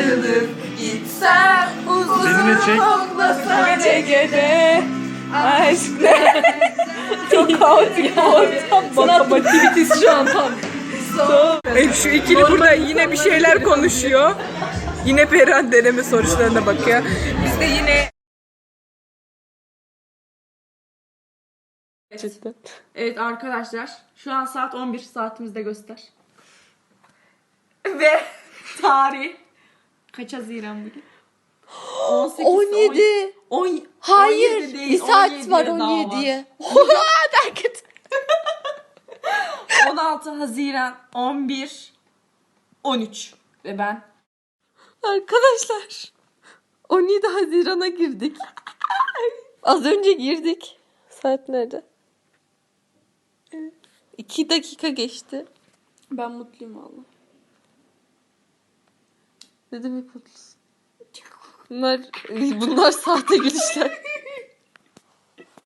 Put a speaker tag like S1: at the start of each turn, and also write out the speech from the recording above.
S1: ayrılıp gitsem
S2: Beni de çek.
S1: uzun gecede aşk ne? Çok kaotik bir ortam.
S3: Matematik şu an tam.
S1: Evet, şu ikili burada yine bir şeyler konuşuyor. Yine Perihan deneme sonuçlarına bakıyor. Biz de yine...
S3: Evet arkadaşlar. Şu an saat 11 saatimizde göster.
S1: Ve
S3: Tarih. Kaç Haziran bugün? 18,
S4: 17.
S3: 10,
S4: Hayır.
S3: 17 değil,
S4: Bir saat
S3: 17'ye
S4: var
S3: daha
S4: 17'ye. Derket.
S3: 16 Haziran 11 13 ve ben
S4: Arkadaşlar 17 Haziran'a girdik. Az önce girdik. Saat nerede? 2 dakika geçti. Ben mutluyum valla. Ne demek mutlusun? Bunlar sahte gülüşler.